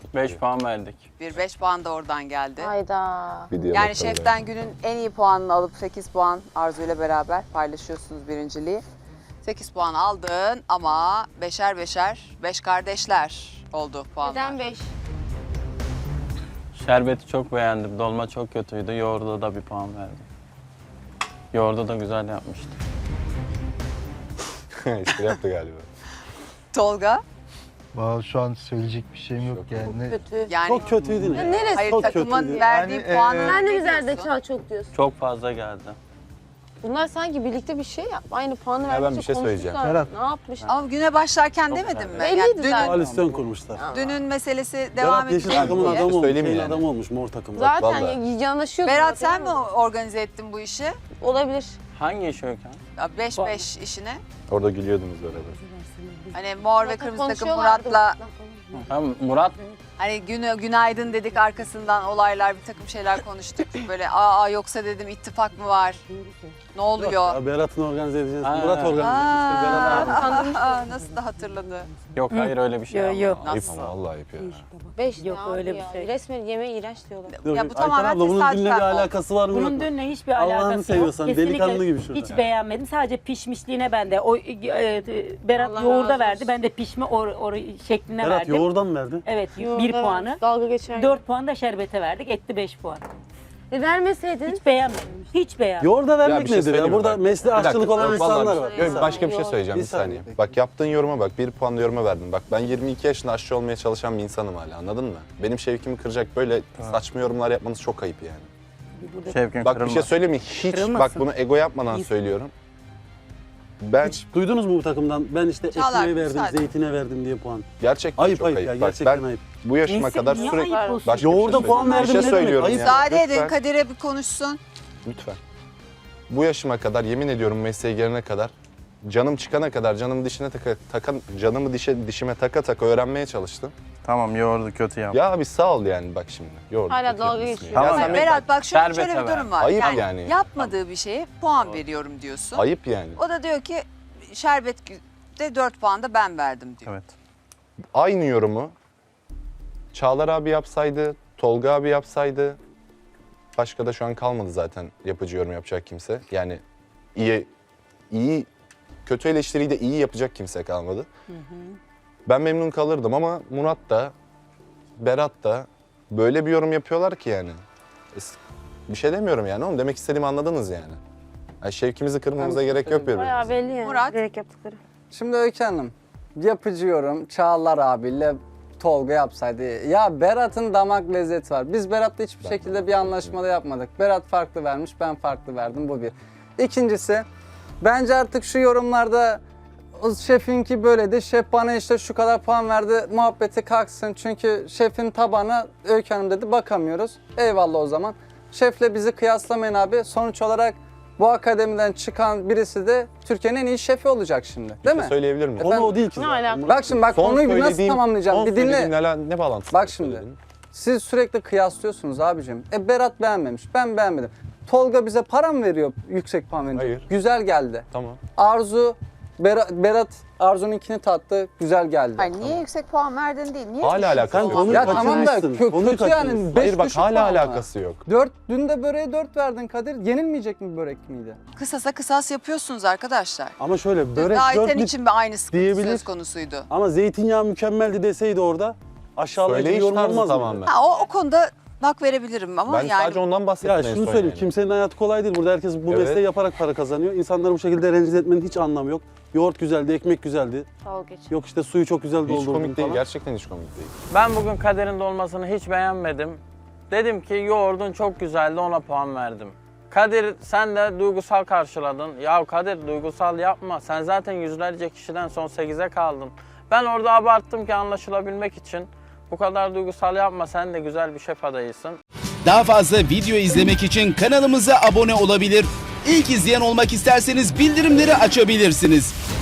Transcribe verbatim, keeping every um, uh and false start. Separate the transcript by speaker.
Speaker 1: beş puan verdik.
Speaker 2: Bir beş puan da oradan geldi.
Speaker 3: Hayda.
Speaker 2: Yani şeften günün en iyi puanını alıp sekiz puan Arzu ile beraber paylaşıyorsunuz birinciliği. sekiz puan aldın ama beşer beşer, beş kardeşler oldu puanlar.
Speaker 3: Neden beş?
Speaker 1: Şerbeti çok beğendim. Dolma çok kötüydü. Yoğurda da bir puan verdim. Yoğurdu da güzel yapmıştı.
Speaker 4: İşte yaptı galiba.
Speaker 2: Tolga?
Speaker 5: Vallahi şu an söyleyecek bir şeyim yok yani. Ne-
Speaker 3: Kötü.
Speaker 2: Yani
Speaker 6: Çok kötüydün ya.
Speaker 3: Neresi?
Speaker 2: hayır
Speaker 6: çok
Speaker 2: takımın
Speaker 6: kötüydü.
Speaker 2: verdiği
Speaker 5: Yani,
Speaker 2: puanı
Speaker 5: e,
Speaker 3: Sen de mi
Speaker 2: ne diyorsun?
Speaker 3: zerdeçal çok diyorsun?
Speaker 1: Çok fazla geldi.
Speaker 3: Bunlar sanki birlikte bir şey yap. Aynı puanı
Speaker 4: ben
Speaker 3: verdikçe
Speaker 4: bir şey söyleyeceğim.
Speaker 3: konuşmuşlar.
Speaker 5: Berat.
Speaker 3: Ne yapmış?
Speaker 2: Ama güne başlarken
Speaker 1: Çok
Speaker 2: demedim
Speaker 1: güzel.
Speaker 2: mi?
Speaker 3: Belliydi
Speaker 2: Yani dünün,
Speaker 3: zaten.
Speaker 6: Koalisyon kurmuşlar.
Speaker 2: dünün meselesi devam
Speaker 6: Berat yeşil
Speaker 2: edecek
Speaker 6: takımın
Speaker 2: diye.
Speaker 6: adamı olmuş.
Speaker 4: Söyleyeyim
Speaker 6: Şeyin
Speaker 4: yani.
Speaker 6: adamı olmuş mor takımda.
Speaker 3: Zaten
Speaker 4: Vallahi.
Speaker 3: yanaşıyor.
Speaker 2: Berat sen mi organize ettin bu işi?
Speaker 3: Olabilir.
Speaker 1: Hangi iş Öykü?
Speaker 2: beş beş işine.
Speaker 4: Orada gülüyordunuz beraber.
Speaker 2: Hani mor ve kırmızı takım
Speaker 3: Konuşuyorlardı.
Speaker 2: Murat'la
Speaker 1: Ha, Murat
Speaker 2: hani günü, günaydın dedik arkasından olaylar bir takım şeyler konuştuk. Böyle aa yoksa dedim ittifak mı var? Ne oluyor?
Speaker 6: Ya Berat'ın organize edeceğiz.
Speaker 1: Ha.
Speaker 6: Murat organize etmiş. Berat abi.
Speaker 2: Aa, aa, nasıl da hatırladı?
Speaker 1: yok hayır öyle bir şey
Speaker 7: Yok,
Speaker 1: yapmadım.
Speaker 7: yok.
Speaker 4: Ayıp
Speaker 2: Nasıl?
Speaker 4: ama vallahi ayıp ya.
Speaker 3: Beş
Speaker 7: Yok,
Speaker 3: ne
Speaker 7: öyle
Speaker 3: abi
Speaker 7: bir
Speaker 3: ya?
Speaker 7: şey.
Speaker 3: Resmen yemeğe iğrenç diyorlar.
Speaker 6: Yok,
Speaker 2: Ya bu
Speaker 6: Ayten
Speaker 2: tamamen
Speaker 6: abla, bunun
Speaker 2: tesadüfen
Speaker 6: dinle bir
Speaker 2: oldu.
Speaker 6: alakası var mı?
Speaker 7: Bunun
Speaker 6: yok mu?
Speaker 7: dönüne hiçbir
Speaker 6: Allah'ını
Speaker 7: alakası yok.
Speaker 6: seviyorsan,
Speaker 7: Kesinlikle
Speaker 6: delikanlı gibi şurada.
Speaker 7: hiç beğenmedim. Sadece pişmişliğine ben de. O, e, e, Berat
Speaker 3: Allah
Speaker 7: yoğurda
Speaker 3: razı
Speaker 7: verdi.
Speaker 3: olsun.
Speaker 7: Ben de pişme or, or, şekline
Speaker 6: Berat
Speaker 7: verdim.
Speaker 6: yoğurdan mı verdi?
Speaker 7: Evet
Speaker 3: Yoğurda
Speaker 7: bir
Speaker 3: vermiş,
Speaker 7: puanı.
Speaker 3: Dalga geçer.
Speaker 7: Dört puan da şerbete verdik. Etti beş puan.
Speaker 3: E vermeseydin.
Speaker 7: Hiç beğenmedim. Hiç beğenmedim.
Speaker 6: Yoğurda
Speaker 4: Ya
Speaker 6: vermek
Speaker 4: bir şey
Speaker 6: nedir ya?
Speaker 4: söyleyeyim mi
Speaker 6: Burada
Speaker 4: bak?
Speaker 6: mesleği
Speaker 4: Bir dakika,
Speaker 6: aşçılık olan
Speaker 4: vallahi
Speaker 6: insanlar
Speaker 4: bir-
Speaker 6: var.
Speaker 4: Yok, başka bir şey söyleyeceğim
Speaker 6: Bir
Speaker 4: bir saniye.
Speaker 6: saniye.
Speaker 4: Bak yaptığın yoruma bak, bir puan yoruma verdin. Bak ben yirmi iki yaşında aşçı olmaya çalışan bir insanım hala, anladın mı? Benim şevkimi kıracak böyle saçma yorumlar yapmanız çok ayıp yani.
Speaker 1: Şevkin
Speaker 4: Bak
Speaker 1: kırılma.
Speaker 4: bir şey söyleyeyim mi? Hiç
Speaker 7: Kırılmasın.
Speaker 4: bak bunu ego yapmadan söylüyorum. Ben
Speaker 6: Hiç duydunuz mu bu takımdan? Ben işte
Speaker 2: Çağlar,
Speaker 6: ekmeğe verdim,
Speaker 2: müsaade.
Speaker 6: zeytine verdim diye puan.
Speaker 4: gerçekten
Speaker 6: Ayıp
Speaker 4: çok
Speaker 6: ayıp
Speaker 4: ayıp.
Speaker 6: ya,
Speaker 4: Bak
Speaker 6: gerçekten
Speaker 4: ben
Speaker 6: ayıp.
Speaker 4: bu yaşıma
Speaker 7: Neyse,
Speaker 4: kadar
Speaker 7: niye
Speaker 4: sürekli
Speaker 7: ayıp olsun?
Speaker 4: başka bir şey
Speaker 6: Yoğurda puan
Speaker 4: söyleyeyim.
Speaker 6: verdim
Speaker 4: Bir şey
Speaker 6: ne demek?
Speaker 4: söylüyorum
Speaker 6: Ayıp.
Speaker 4: ya.
Speaker 2: Müsaade edin
Speaker 4: Lütfen.
Speaker 2: Kadir'e bir konuşsun.
Speaker 4: Lütfen. Bu yaşıma kadar yemin ediyorum mesleğe gelene kadar canım çıkana kadar canımı dişine taka, takan canımı dişe dişime taka taka öğrenmeye çalıştım.
Speaker 1: Tamam yoğurdu kötü yap.
Speaker 4: Ya abi sağ ol yani bak şimdi. Yoğurt
Speaker 3: Hala
Speaker 4: kötü
Speaker 3: dalga
Speaker 4: yapmışsın
Speaker 3: geçiyor.
Speaker 4: ya.
Speaker 1: Tamam.
Speaker 4: Ya sen
Speaker 2: Berat bak şöyle,
Speaker 1: Şerbete
Speaker 2: şöyle bir
Speaker 1: ver.
Speaker 2: durum var.
Speaker 4: Ayıp
Speaker 2: yani,
Speaker 4: yani.
Speaker 2: yapmadığı bir şeye puan veriyorum diyorsun.
Speaker 4: ayıp yani.
Speaker 2: O da diyor ki şerbet de dört puan da ben verdim diyor.
Speaker 1: Evet.
Speaker 4: Aynı yorumu Çağlar abi yapsaydı, Tolga abi yapsaydı, başka da şu an kalmadı zaten yapıcı yorum yapacak kimse. Yani iyi, iyi, kötü eleştiriyi de iyi yapacak kimse kalmadı. Ben memnun kalırdım ama Murat da, Berat da böyle bir yorum yapıyorlar ki yani. Es- Bir şey demiyorum yani oğlum, demek istediğimi anladınız yani. Yani şevkimizi kırmamıza gerek yok birbirimize.
Speaker 3: Bayağı belli yani.
Speaker 2: Murat?
Speaker 3: Direkt yaptıkları.
Speaker 8: Şimdi Öykü Hanım, yapıcı yorum Çağlar abiyle Tolga yapsaydı. Ya Berat'ın damak lezzeti var. Biz Berat'la hiçbir şekilde bir anlaşmada yapmadık. Berat farklı vermiş, ben farklı verdim. Bu bir. İkincisi, bence artık şu yorumlarda o şefinki böyledi, şef bana işte şu kadar puan verdi muhabbeti kalksın. Çünkü şefin tabağına Öykü Hanım dedi bakamıyoruz. Eyvallah o zaman. Şefle bizi kıyaslamayın abi. Sonuç olarak bu akademiden çıkan birisi de Türkiye'nin en iyi şefi olacak şimdi. Değil
Speaker 4: Bir şey
Speaker 8: mi?
Speaker 4: söyleyebilir miyim?
Speaker 6: Konu o değil ki.
Speaker 3: Ne
Speaker 6: zaten.
Speaker 3: alaka?
Speaker 8: Bak şimdi bak
Speaker 4: Son
Speaker 8: konuyu bir nasıl
Speaker 4: söylediğim-
Speaker 8: tamamlayacağım?
Speaker 4: son
Speaker 8: Bir dinle.
Speaker 4: söylediğin Ne, ne bağlantısı?
Speaker 8: Bak
Speaker 4: var
Speaker 8: şimdi.
Speaker 4: söylediğin?
Speaker 8: Siz sürekli kıyaslıyorsunuz abicim. E Berat beğenmemiş, ben beğenmedim. Tolga bize para mı veriyor yüksek puan verince?
Speaker 4: Hayır.
Speaker 8: Güzel geldi.
Speaker 4: Tamam.
Speaker 8: Arzu, Berat, Berat Arzu'nunkini tattı, güzel geldi.
Speaker 2: Hayır niye yüksek puan verdin değil. Niye
Speaker 4: Hala
Speaker 2: düşük
Speaker 4: alakası
Speaker 2: puan
Speaker 4: yok.
Speaker 6: Konuyu
Speaker 8: Ya tamam da
Speaker 6: kaçırmışsın,
Speaker 8: kö-
Speaker 6: konuyu
Speaker 8: kötü
Speaker 6: kaçırmışsın.
Speaker 8: yani. Beş
Speaker 4: Hayır bak
Speaker 8: düşük
Speaker 4: hala
Speaker 8: puan mı?
Speaker 4: alakası yok.
Speaker 8: Dört, dün de böreğe dört verdin Kadir. Yenilmeyecek mi börek miydi?
Speaker 2: Kısasa kısas yapıyorsunuz arkadaşlar.
Speaker 6: Ama şöyle
Speaker 2: Dün
Speaker 6: börek
Speaker 2: de
Speaker 6: dört
Speaker 2: Ayten
Speaker 6: bit
Speaker 2: için bir aynı sıkıntı
Speaker 6: diyebilir.
Speaker 2: söz konusuydu.
Speaker 6: ama zeytinyağı mükemmeldi deseydi orada aşağılayıcı bir
Speaker 4: Söyleyiş
Speaker 6: yorum
Speaker 4: tarzı
Speaker 6: olmaz
Speaker 4: tamamen.
Speaker 6: mıydı?
Speaker 2: Ha, o, o konuda hak verebilirim ama
Speaker 4: Ben
Speaker 2: yani
Speaker 4: sadece ondan bahsettim
Speaker 6: Ya
Speaker 4: en
Speaker 6: şunu
Speaker 4: son
Speaker 6: söyleyeyim,
Speaker 4: yani.
Speaker 6: kimsenin hayatı kolay değil. Burada herkes bu
Speaker 4: Evet.
Speaker 6: mesleği yaparak para kazanıyor. İnsanları bu şekilde rencide etmenin hiç anlamı yok. Yoğurt güzeldi, ekmek güzeldi.
Speaker 3: Dalga geçer.
Speaker 6: Yok işte suyu çok güzel
Speaker 4: Hiç
Speaker 6: doldurdum
Speaker 4: komik değil,
Speaker 6: falan.
Speaker 4: gerçekten hiç komik değil.
Speaker 1: Ben bugün Kadir'in dolmasını hiç beğenmedim. Dedim ki yoğurdun çok güzeldi, ona puan verdim. Kadir sen de duygusal karşıladın. Ya Kadir duygusal yapma. Sen zaten yüzlerce kişiden son sekize kaldın. Ben orada abarttım ki anlaşılabilmek için. Bu kadar duygusal yapma. Sen de güzel bir şef adayısın.
Speaker 9: Daha fazla video izlemek için kanalımıza abone olabilir. İlk izleyen olmak isterseniz bildirimleri açabilirsiniz.